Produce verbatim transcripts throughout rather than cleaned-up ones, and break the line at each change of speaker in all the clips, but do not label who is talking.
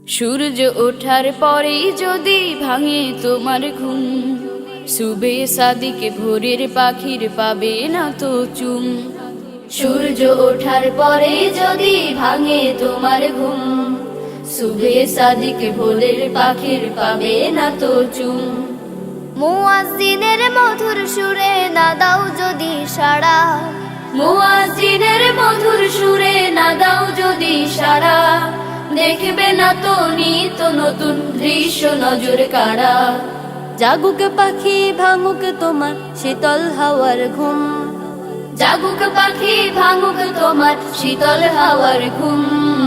সূর্য ওঠার পরেই যদি ভাঙে তোমার ঘুম, সুবে সাদিকে ভোরের পাখির পাবে না তো চুম। সূর্য ওঠার পরে যদি ভাঙে তোমার ঘুম, সুবে সাদিকে ভোরের পাখির পাবে না তো চুম।
মুয়াজ্জিনের মধুর সুরে না দাও যদি সাড়া,
মুয়াজ্জিনের মধুর সুরে না দাও যদি সাড়া, দেখবে না তো নিত নতুন দৃশ্য নজর কাড়া।
জাগুক পাখি ভাঙুক তোমার শীতল হাওয়ার ঘুম,
জাগুক পাখি ভাঙুক তোমার শীতল হাওয়ার ঘুম।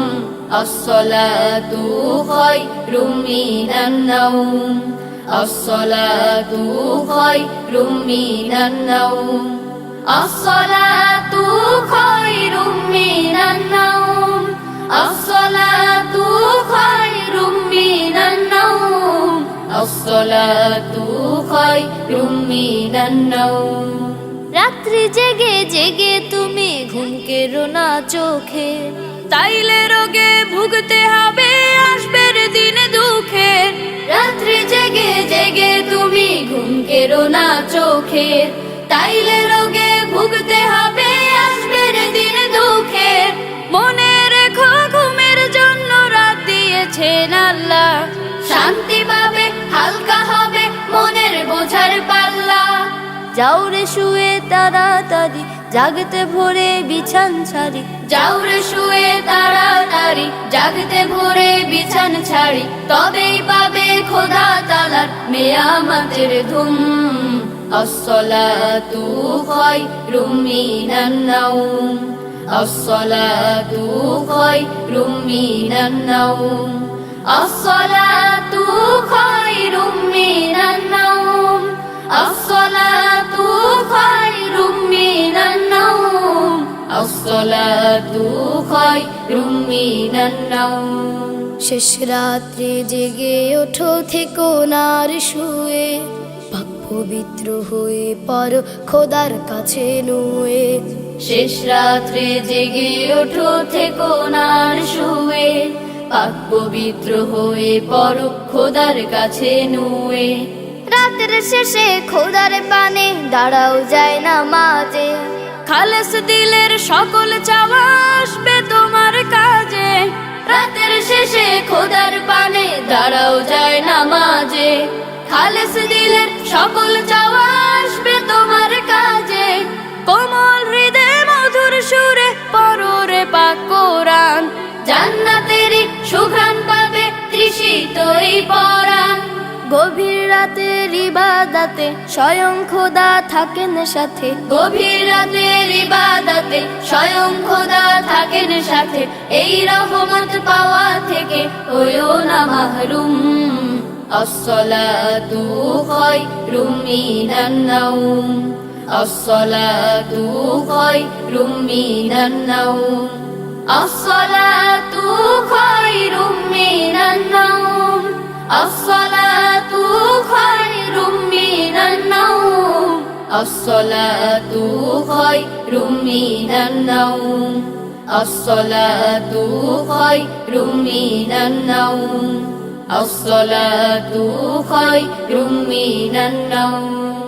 আসসালাতু খায়রুম মিনান নাওম, আসসালাতু খায়রুম মিনান নাওম, আসসালাতু খায়রুম মিনান নাওম, আসসালাতু খায়রুম মিনান নাওম, আসসালাতু খায়রুম মিনান নাওম।
রাত্রি জেগে জেগে তুমি ঘুম কেড়ো না চোখে,
তাইলে রোগে ভুগতে হবে আসবে দিন দুঃখে। রাত্রি জেগে জেগে তুমি ঘুম কেড়ো না চোখে, তাইলে রোগে ভুগতে হবে আসবে দিন দুঃখে। মনে রেখো ঘুমের জন্য রাত দিয়েছেন আল্লাহ, শান্তি পাবে হালকা হবে মনের বোঝার পাল্লা।
যাও রে শুয়ে তাড়াতাড়ি জাগতে ভোরে বিছান ছাড়ি,
যাও রে শুয়ে তাড়াতাড়ি জাগতে ভোরে বিছান ছাড়ি, তবেই পাবে খোদা তাআলার নেয়ামতের ধুম। আসসালাতু খায়রুম মিনান নাওম, আসসালাতু খায়রুম মিনান নাওম, আসসালাতু খায়রুম মিনান নাওম, আসসালাতু খায়রুম মিনান নাওম, আসসালাতু খায়রুম মিনান নাওম।
শেষ রাত্রে জেগে ওঠো থেকো না আর শুয়ে, পাক পবিত্র হয়ে পড়ো খোদার কাছে নুয়ে।
শেষ রাত্রে জেগে ওঠো থেকো না আর শুয়ে, পাক পবিত্র হয়ে পড়ো খোদার কাছে নুয়ে।
রাতের শেষে খোদার পানে দাঁড়াও যায় না মাঝে,
খালেস দিলের সকল চাওয়া আসবে তোমার কাজে। রাতের শেষে খোদার পানে দাঁড়াও যায় নামাজে, খালেস দিলের সকল চাওয়া আসবে তোমার কাজে। কোমল হৃদয়ে মধুর সুরে পড়ো রে পাক কোরআন, জান্নাতেরই সুঘ্রাণ পাবে তৃষিত এই পরাণ।
গভীর রাতের ইবাদতে স্বয়ং খোদা থাকেন সাথে,
গভীর রাতের ইবাদতে স্বয়ং খোদা থাকেন সাথে। এই রহমত পাওয়া থেকে হইও না মাহরুম। আসসালাতু খায়রুম মিনান নাওম, আসসালাতু খায়রুম মিনান নাওম, আসসালাতু খায়রুম মিনান নাওম, আসসালাতু খায়রুম মিনান নাওম, আসসালাতু খায়রুম মিনান নাওম, আসসালাতু খায়রুম মিনান নাওম, আসসালাতু খায়রুম মিনান নাওম।